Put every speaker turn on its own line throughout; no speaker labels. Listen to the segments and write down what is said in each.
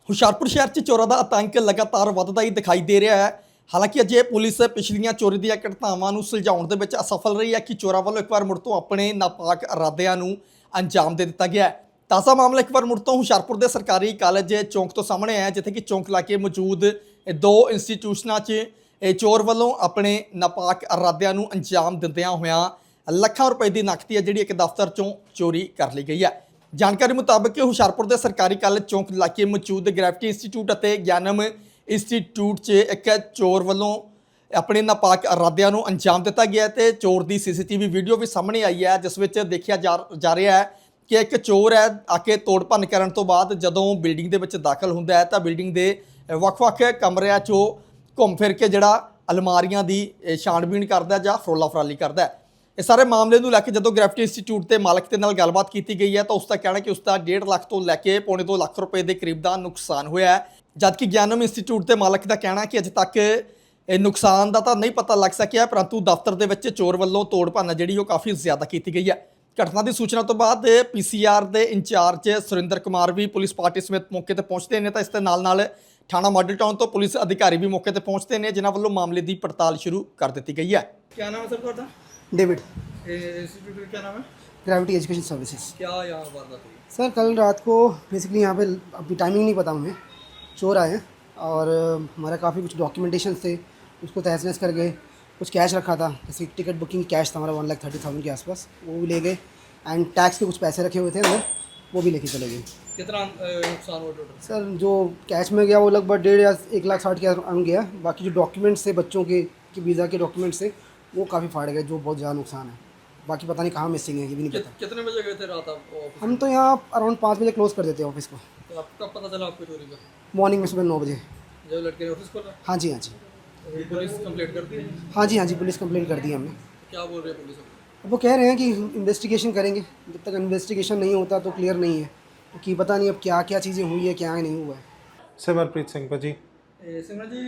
ਹੁਸ਼ਿਆਰਪੁਰ ਸ਼ਹਿਰ 'ਚ ਚੋਰਾਂ ਦਾ ਆਤੰਕ ਲਗਾਤਾਰ ਵੱਧਦਾ ਹੀ ਦਿਖਾਈ ਦੇ ਰਿਹਾ ਹੈ। ਹਾਲਾਂਕਿ ਅਜੇ ਪੁਲਿਸ ਪਿਛਲੀਆਂ ਚੋਰੀ ਦੀਆਂ ਘਟਨਾਵਾਂ ਨੂੰ ਸੁਲਝਾਉਣ ਦੇ ਵਿੱਚ ਅਸਫਲ ਰਹੀ ਹੈ ਕਿ ਚੋਰਾਂ ਵੱਲੋਂ ਇੱਕ ਵਾਰ ਮੁੜ ਤੋਂ ਆਪਣੇ ਨਾਪਾਕ ਇਰਾਦਿਆਂ ਨੂੰ ਅੰਜਾਮ ਦੇ ਦਿੱਤਾ ਗਿਆ ਹੈ। ਤਾਜ਼ਾ ਮਾਮਲਾ ਇੱਕ ਵਾਰ ਮੁੜ ਤੋਂ ਹੁਸ਼ਿਆਰਪੁਰ ਦੇ ਸਰਕਾਰੀ ਕਾਲਜ ਚੌਂਕ ਤੋਂ ਸਾਹਮਣੇ ਆਇਆ, ਜਿੱਥੇ ਕਿ ਚੌਂਕ ਇਲਾਕੇ ਮੌਜੂਦ ਦੋ ਇੰਸਟੀਟਿਊਸ਼ਨਾਂ 'ਚ ਚੋਰ ਵੱਲੋਂ ਆਪਣੇ ਨਾਪਾਕ ਇਰਾਦਿਆਂ ਨੂੰ ਅੰਜਾਮ ਦਿੰਦਿਆਂ ਹੋਇਆਂ ਲੱਖਾਂ ਰੁਪਏ ਦੀ ਨਕਦੀ ਹੈ ਜਿਹੜੀ ਇੱਕ ਦਫ਼ਤਰ 'ਚੋਂ ਚੋਰੀ ਕਰ ਲਈ ਗਈ ਹੈ। ਜਾਣਕਾਰੀ ਮੁਤਾਬਕ ਹੁਸ਼ਿਆਰਪੁਰ ਦੇ ਸਰਕਾਰੀ ਕਾਲਜ ਚੌਂਕ ਇਲਾਕੇ ਮੌਜੂਦ ਗ੍ਰੈਵਿਟੀ ਇੰਸਟੀਚਿਊਟ ਅਤੇ ਗਿਆਨਮ ਇੰਸਟੀਚਿਊਟ 'ਚ ਇੱਕ ਚੋਰ ਵੱਲੋਂ ਆਪਣੇ ਨਾਪਾਕ ਇਰਾਦਿਆਂ ਨੂੰ ਅੰਜਾਮ ਦਿੱਤਾ ਗਿਆ ਤੇ ਚੋਰ ਦੀ ਸੀਸੀਟੀਵੀ ਵੀਡੀਓ ਵੀ ਸਾਹਮਣੇ ਆਈ ਹੈ, ਜਿਸ ਵਿੱਚ ਦੇਖਿਆ ਜਾ ਰਿਹਾ ਹੈ ਕਿ ਇੱਕ ਚੋਰ ਹੈ ਆ ਕੇ ਤੋੜ ਭੰਨ ਕਰਨ ਤੋਂ ਬਾਅਦ ਜਦੋਂ ਬਿਲਡਿੰਗ ਦੇ ਵਿੱਚ ਦਾਖਲ ਹੁੰਦਾ ਹੈ ਤਾਂ ਬਿਲਡਿੰਗ ਦੇ ਵੱਖ-ਵੱਖ ਕਮਰਿਆਂ 'ਚੋਂ ਘੁੰਮ ਫਿਰ ਕੇ ਜਿਹੜਾ ਅਲਮਾਰੀਆਂ ਦੀ ਛਾਣਬੀਣ ਕਰਦਾ ਜਾਂ ਫਰੋਲਾ ਫਰਾਲੀ ਕਰਦਾ ਹੈ। ਇਸ ਸਾਰੇ ਮਾਮਲੇ ਨੂੰ ਲੈ ਕੇ ਜਦੋਂ ਗ੍ਰੈਵਿਟੀ ਇੰਸਟੀਚਿਊਟ ਦੇ ਮਾਲਕ ਦੇ ਨਾਲ ਗੱਲਬਾਤ ਕੀਤੀ ਗਈ ਹੈ ਤਾਂ ਉਸ ਦਾ ਕਹਿਣਾ ਕਿ ਉਸ ਦਾ 1.5 ਲੱਖ ਤੋਂ ਲੈ ਕੇ ਪੌਣੇ 2 ਲੱਖ ਰੁਪਏ ਦੇ ਕਰੀਬ ਦਾ ਨੁਕਸਾਨ ਹੋਇਆ ਹੈ, ਜਦਕਿ ਗਿਆਨਮ ਇੰਸਟੀਚਿਊਟ ਦੇ ਮਾਲਕ ਦਾ ਕਹਿਣਾ ਕਿ ਅਜੇ ਤੱਕ ਇਹ ਨੁਕਸਾਨ ਦਾ ਤਾਂ ਨਹੀਂ ਪਤਾ ਲੱਗ ਸਕਿਆ, ਪਰੰਤੂ ਦਫ਼ਤਰ ਦੇ ਵਿੱਚ ਚੋਰ ਵੱਲੋਂ ਤੋੜ ਭੰਨ ਜਿਹੜੀ ਉਹ ਕਾਫੀ ਜ਼ਿਆਦਾ ਕੀਤੀ ਗਈ ਹੈ। ਘਟਨਾ ਦੀ ਸੂਚਨਾ ਤੋਂ ਬਾਅਦ ਪੀਸੀਆਰ ਦੇ ਇੰਚਾਰਜ ਸੁਰਿੰਦਰ ਕੁਮਾਰ ਵੀ ਪੁਲਿਸ ਪਾਰਟੀ ਸਮੇਤ ਮੌਕੇ ਤੇ ਪਹੁੰਚਦੇ ਨੇ ਤਾਂ ਇਸ ਦੇ ਨਾਲ ਥਾਣਾ ਮਾਡਲ ਟਾਊਨ ਤੋਂ ਪੁਲਿਸ ਅਧਿਕਾਰੀ ਵੀ ਮੌਕੇ ਤੇ ਪਹੁੰਚਦੇ ਨੇ, ਜਿਨ੍ਹਾਂ ਵੱਲੋਂ ਮਾਮਲੇ ਦੀ ਪੜਤਾਲ ਸ਼ੁਰੂ ਕਰ ਦਿੱਤੀ ਗਈ ਹੈ।
क्या नाम है सर ਤੁਹਾਡਾ?
डेविड,
इंस्टीट्यूट का क्या नाम है?
Gravity Education Services.
क्या यहाँ वारदात हुई?
सर कल रात को बेसिकली यहाँ पे अभी टाइमिंग नहीं पता हमें, चोर आए और हमारा काफ़ी कुछ डॉक्यूमेंटेशन थे उसको तहस नहस कर गए। कुछ कैश रखा था, जैसे टिकट बुकिंग कैश था हमारा 1,30,000 के आसपास, वो भी ले गए एंड टैक्स के कुछ पैसे रखे हुए थे अंदर, वो भी लेके चले गए।
कितना नुकसान हुआ टोटल?
सर जो कैश में गया वो लगभग 1.5 या 1,60,000 के अराउंड गया। बाकी जो डॉक्यूमेंट्स थे बच्चों के वीज़ा के डॉक्यूमेंट्स थे वो काफ़ी फाड़ गए, जो बहुत ज़्यादा नुकसान है। बाकी पता नहीं कहाँ मिसिंग है, ये भी नहीं पता।
कितने बजे गए थे रात आप ऑफिस?
हम तो यहाँ अराउंड 5 बजे क्लोज़ कर देते हैं ऑफिस को।
तो आपको कब पता चला आपको चोरी का?
मॉर्निंग में सुबह 9 बजे।
जब लड़के ने ऑफिस खोला?
हाँ जी, हाँ जी,
तो पुलिस कंप्लेंट करती है?
हाँ जी, हाँ जी, पुलिस कंप्लेंट कर दी हमने।
क्या बोल रहे हैं पुलिस?
अब वो कह रहे हैं कि इन्वेस्टिगेशन करेंगे, जब तक इन्वेस्टिगेशन नहीं होता तो क्लियर नहीं है, क्योंकि पता नहीं अब क्या क्या चीज़ें हुई है क्या नहीं हुआ है।
ਸਿਮਰਪ੍ਰੀਤ ਸਿੰਘ ਭਾਜੀ,
सिमरन जी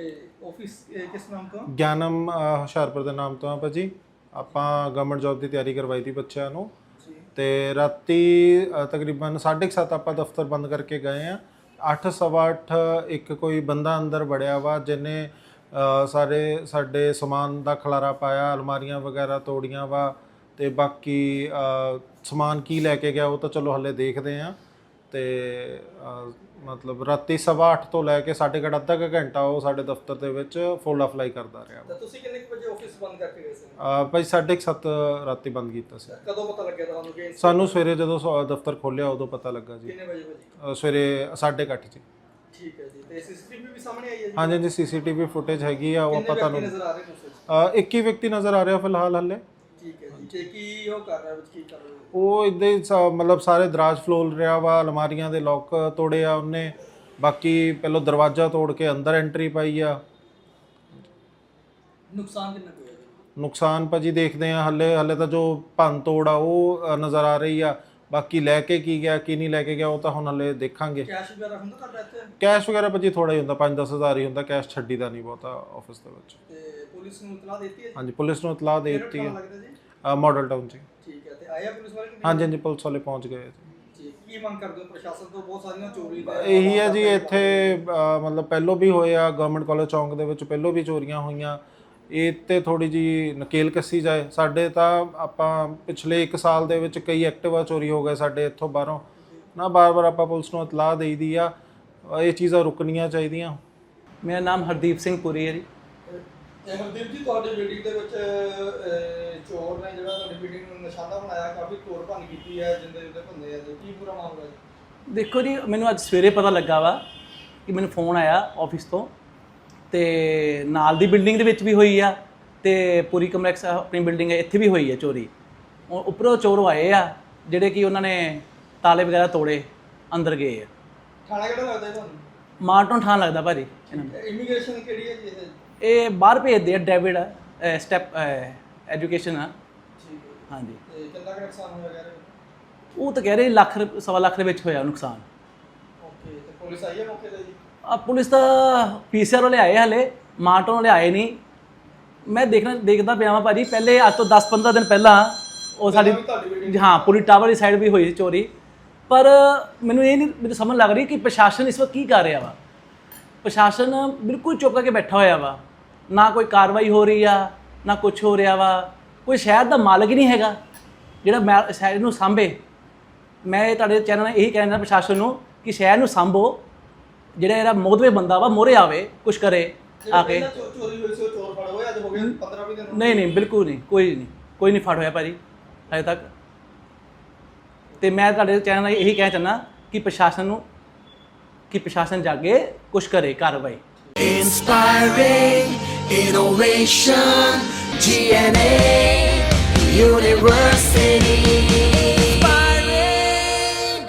ऑफिस किस नाम का?
ਗਿਆਨਮ ਹੁਸ਼ਿਆਰਪੁਰ ਦੇ ਨਾਮ ਤੋਂ ਆ ਭਾਜੀ। ਆਪਾਂ ਗਵਰਨਮੈਂਟ ਜੌਬ ਦੀ ਤਿਆਰੀ ਕਰਵਾਈ ਤੀ ਬੱਚਿਆਂ ਨੂੰ ਤੇ ਰਾਤੀ ਤਕਰੀਬਨ 7:30 ਆਪਾਂ ਦਫ਼ਤਰ ਬੰਦ ਕਰਕੇ ਗਏ ਆ। 8:15 ਇੱਕ ਕੋਈ ਬੰਦਾ ਅੰਦਰ ਵੜਿਆ ਵਾ, ਜਿਹਨੇ ਸਾਰੇ ਸਾਡੇ ਸਮਾਨ ਦਾ ਖਲਾਰਾ ਪਾਇਆ, ਅਲਮਾਰੀਆਂ ਵਗੈਰਾ ਤੋੜੀਆਂ ਵਾ ਤੇ ਬਾਕੀ ਸਮਾਨ ਕੀ ਲੈ ਕੇ ਗਿਆ ਉਹ ਤਾਂ ਚਲੋ ਹਲੇ ਦੇਖਦੇ ਆ। ਤੇ ਮਤਲਬ ਰਾਤੀ 8:15 ਤੋਂ ਲੈ ਕੇ 8:30 ਅੱਧਾ ਕੁ ਘੰਟਾ ਉਹ ਸਾਡੇ ਦਫ਼ਤਰ ਦੇ ਵਿੱਚ ਫੋਲਾ ਫਲਾਈ ਕਰਦਾ ਰਿਹਾ।
ਤਾਂ ਤੁਸੀਂ ਕਿੰਨੇ ਵਜੇ ਆਫਿਸ ਬੰਦ ਕਰਕੇ ਗਏ ਸੀ?
ਭਾਈ 7:30 ਰਾਤੀ ਬੰਦ ਕੀਤਾ ਸੀ।
ਕਦੋਂ ਪਤਾ ਲੱਗਿਆ ਤੁਹਾਨੂੰ ਕਿ
ਸਾਨੂੰ ਸਵੇਰੇ ਜਦੋਂ ਦਫ਼ਤਰ ਖੋਲ੍ਹਿਆ ਉਦੋਂ ਪਤਾ ਲੱਗਾ ਜੀ।
ਕਿੰਨੇ ਵਜੇ ਭਾਜੀ?
ਸਵੇਰੇ 8:30 ਜੀ।
ਠੀਕ ਹੈ ਜੀ। ਤੇ ਸੀਸੀਟੀਵੀ ਵੀ ਸਾਹਮਣੇ ਆਈ ਹੈ ਜੀ?
ਹਾਂਜੀ ਹਾਂਜੀ, ਸੀਸੀਟੀਵੀ ਫੁਟੇਜ ਹੈਗੀ ਆ, ਉਹ ਆਪਾਂ ਤੁਹਾਨੂੰ
ਨਜ਼ਰ ਆ ਰਹੇ ਨੇ?
ਇੱਕ ਹੀ ਵਿਅਕਤੀ ਨਜ਼ਰ ਆ ਰਿਹਾ ਫਿਲਹਾਲ ਹਲੇ।
ਠੀਕ ਹੈ ਜੀ। ਤੇ ਕੀ ਉਹ ਕਰ ਰਿਹਾ, ਵਿੱਚ ਕੀ ਕਰ ਰਿਹਾ?
ਉਹ ਇੱਦਾਂ ਹੀ ਮਤਲਬ ਸਾਰੇ ਦਰਾਜ ਫਲੋਲ ਰਿਹਾ ਵਾ, ਅਲਮਾਰੀਆਂ ਦੇ ਲੋਕ ਤੋੜੇ ਆ ਉਹਨੇ, ਬਾਕੀ ਪਹਿਲਾਂ ਦਰਵਾਜ਼ਾ ਤੋੜ ਕੇ ਅੰਦਰ ਐਂਟਰੀ ਪਾਈ ਆ।
ਨੁਕਸਾਨ ਕਿੰਨਾ ਕੁ ਹੋਇਆ ਜੀ?
ਨੁਕਸਾਨ ਭਾਜੀ ਦੇਖਦੇ ਆ, ਹਲੇ ਤਾਂ ਜੋ ਭੰਨ ਤੋੜ ਆ ਉਹ ਨਜ਼ਰ ਆ ਰਹੀ ਆ, ਬਾਕੀ ਲੈ ਕੇ ਕੀ ਗਿਆ ਕੀ ਨਹੀਂ ਲੈ ਕੇ ਗਿਆ ਉਹ ਤਾਂ ਹੁਣ ਹਲੇ ਦੇਖਾਂਗੇ।
ਕੈਸ਼ ਵਗੈਰਾ ਹੁੰਦਾ ਤੁਹਾਡਾ ਇੱਥੇ?
ਕੈਸ਼ ਵਗੈਰਾ ਭਾਜੀ ਥੋੜਾ ਹੀ ਹੁੰਦਾ, 5-10 ਹਜ਼ਾਰ ਹੀ ਹੁੰਦਾ, ਕੈਸ਼ ਛੱਡੀਦਾ ਨਹੀਂ ਬਹੁਤਾ ਆਫਿਸ ਦੇ ਵਿੱਚ।
ਤੇ ਪੁਲਿਸ ਨੂੰ ਇਤਲਾਹ ਦਿੱਤੀ ਹੈ ਜੀ?
ਹਾਂਜੀ, ਪੁਲਿਸ ਨੂੰ ਇਤਲਾਹ ਦੇ ਦਿੱਤੀ ਹੈ।
ਲੱਗਦਾ ਜੀ?
ਮਾਡਲ ਟਾਊਨ ਜੀ।
ਠੀਕ ਹੈ। ਤੇ ਆਇਆ ਪੁਲਿਸ ਵਾਲੇ?
ਹਾਂਜੀ ਹਾਂਜੀ, ਪੁਲਿਸ ਵਾਲੇ ਪਹੁੰਚ ਗਏ ਜੀ।
ਠੀਕ। ਕੀ ਮੰਗ ਕਰਦੇ ਹੋ ਪ੍ਰਸ਼ਾਸਨ ਤੋਂ? ਬਹੁਤ ਸਾਰੀਆਂ ਚੋਰੀ ਦਾ
ਇਹੀ ਹੈ ਜੀ, ਇੱਥੇ ਮਤਲਬ ਪਹਿਲੋਂ ਵੀ ਹੋਇਆ, ਗਵਰਨਮੈਂਟ ਕਾਲਜ ਚੌਂਕ ਦੇ ਵਿੱਚ ਪਹਿਲੋਂ ਵੀ ਚੋਰੀਆਂ ਹੋਈਆਂ, ਇਹ ਤੇ ਥੋੜੀ ਜੀ ਨਕੇਲ ਕੱਸੀ ਜਾਏ। ਸਾਡੇ ਤਾਂ ਆਪਾਂ ਪਿਛਲੇ 1 ਸਾਲ ਦੇ ਵਿੱਚ ਕਈ ਐਕਟਿਵਾ ਚੋਰੀ ਹੋ ਗਏ ਸਾਡੇ ਇੱਥੋਂ ਬਾਹਰੋਂ ਨਾ, ਬਾਰ-ਬਾਰ ਆਪਾਂ ਪੁਲਿਸ ਨੂੰ ਇਤਲਾਹ ਦੇਈ ਦੀ ਆ, ਇਹ ਚੀਜ਼ਾਂ ਰੁਕਣੀਆਂ ਚਾਹੀਦੀਆਂ।
ਮੇਰਾ ਨਾਮ ਹਰਦੀਪ ਸਿੰਘ ਪੁਰੀ ਹੈ ਜੀ।
ਹਰਦੀਪ ਜੀ, ਤੁਹਾਡੀ ਬਿਲਡਿੰਗ ਦੇ ਵਿੱਚ ਚੋਰ ਨੇ ਜਿਹੜਾ ਤੁਹਾਡੀ ਬਿਲਡਿੰਗ ਨੂੰ ਨਿਸ਼ਾਨਾ ਬਣਾਇਆ, ਕਾਫੀ ਤੋੜ ਭੰਨ ਕੀਤੀ ਹੈ, ਜਿੰਦੇ ਭੰਨੇ ਆ ਜੀ, ਕੀ ਪੂਰਾ ਮਾਮਲਾ ਜੀ?
ਦੇਖੋ ਜੀ, ਮੈਨੂੰ ਅੱਜ ਸਵੇਰੇ ਪਤਾ ਲੱਗਾ ਵਾ ਕਿ ਮੈਨੂੰ ਫੋਨ ਆਇਆ ਆਫਿਸ ਤੋਂ, ਤੇ ਨਾਲ ਦੀ ਬਿਲਡਿੰਗ ਦੇ ਵਿੱਚ ਵੀ ਹੋਈ ਆ ਤੇ ਪੂਰੀ ਕੰਪਲੈਕਸ ਆਪਣੀ ਬਿਲਡਿੰਗ ਹੈ ਇੱਥੇ ਵੀ ਹੋਈ ਹੈ ਚੋਰੀ। ਉੱਪਰੋਂ ਚੋਰ ਆਏ ਆ ਜਿਹੜੇ ਕਿ ਉਹਨਾਂ ਨੇ ਤਾਲੇ ਵਗੈਰਾ ਤੋੜੇ, ਅੰਦਰ ਗਏ ਆ।
ਥਾਣਾ ਕਿਹੜਾ ਲੱਗਦਾ ਜੀ ਤੁਹਾਨੂੰ?
ਮਾਰਟਨ ਥਾਂ ਲੱਗਦਾ ਭਾਜੀ ਇਹਨਾਂ ਨੂੰ।
ਇਮੀਗ੍ਰੇਸ਼ਨ ਕਿਹੜੀ ਹੈ ਜੀ ਇਹ?
ਇਹ ਬਾਹਰ ਭੇਜਦੇ ਆ, ਡੇਵਿਡ ਸਟੈਪ ਐਜੂਕੇਸ਼ਨ ਆ।
ਠੀਕ ਹੈ।
ਹਾਂਜੀ।
ਤੇ ਕਿੰਨਾ ਕੁ ਨੁਕਸਾਨ ਹੋਇਆ ਕਹਿ ਰਹੇ?
ਉਹ ਤਾਂ ਕਹਿ ਰਹੇ ਲੱਖ ਸਵਾ ਲੱਖ ਦੇ ਵਿੱਚ ਹੋਇਆ ਨੁਕਸਾਨ।
ਓਕੇ। ਤੇ ਪੁਲਿਸ ਆਈ ਹੈ ਮੌਕੇ ਤੇ ਜੀ?
ਪੁਲਿਸ ਤਾਂ ਪੀਸੀਆਰ ਵਾਲੇ ਆਏ, ਹਲੇ ਮਾਰਟਨ ਵਾਲੇ ਆਏ ਨਹੀਂ। ਮੈਂ ਦੇਖਦਾ ਪਿਆ ਵਾਂ ਭਾਜੀ, ਪਹਿਲੇ ਅੱਜ ਤੋਂ 10-15 ਦਿਨ ਪਹਿਲਾਂ ਉਹ ਸਾਡੀ, ਹਾਂ, ਪੂਰੀ ਟਾਵਰ ਦੀ ਸਾਈਡ ਵੀ ਹੋਈ ਸੀ ਚੋਰੀ, ਪਰ ਮੈਨੂੰ ਇਹ ਨਹੀਂ ਮੈਨੂੰ ਸਮਝ ਲੱਗ ਰਹੀ ਕਿ ਪ੍ਰਸ਼ਾਸਨ ਇਸ ਵਕਤ ਕੀ ਕਰ ਰਿਹਾ ਵਾ। ਪ੍ਰਸ਼ਾਸਨ ਬਿਲਕੁਲ ਚੁੱਪ ਕਰਕੇ ਬੈਠਾ ਹੋਇਆ ਵਾ, ਨਾ ਕੋਈ ਕਾਰਵਾਈ ਹੋ ਰਹੀ ਆ, ਨਾ ਕੁਝ ਹੋ ਰਿਹਾ ਵਾ। ਕੋਈ ਸ਼ਹਿਰ ਦਾ ਮਾਲਕ ਹੀ ਨਹੀਂ ਹੈਗਾ ਜਿਹੜਾ ਸ਼ਹਿਰ ਨੂੰ ਸਾਂਭੇ। ਮੈਂ ਇਹ ਤੁਹਾਡੇ ਚੈਨਲ ਨਾਲ ਇਹੀ ਕਹਿਣਾ ਪ੍ਰਸ਼ਾਸਨ ਨੂੰ ਕਿ ਸ਼ਹਿਰ ਨੂੰ ਸਾਂਭੋ, ਜਿਹੜਾ ਇਹਦਾ ਮੋਦਵੇ ਬੰਦਾ ਵਾ ਮੋਹਰੇ ਆਵੇ, ਕੁਝ ਕਰੇ ਆ ਕੇ।
ਚੋਰੀ ਹੋਈ ਸੀ ਉਹ ਚੋਰ ਫੜ ਹੋਇਆ, ਅੱਜ ਹੋ ਗਿਆ 15-20 ਦਿਨ।
ਨਹੀਂ ਬਿਲਕੁਲ ਨਹੀਂ, ਕੋਈ ਨਹੀਂ ਫੜ ਹੋਇਆ ਭਾਜੀ ਹਜੇ ਤੱਕ। ਤੇ ਮੈਂ ਤੁਹਾਡੇ ਚੈਨਲ ਨਾਲ ਇਹੀ ਕਹਿਣਾ ਚਾਹੁੰਦਾ ਕਿ ਪ੍ਰਸ਼ਾਸਨ ਜਾਗੇ, ਕੁਝ ਕਰੇ ਕਾਰਵਾਈ।
Inspiring innovation, GNA University.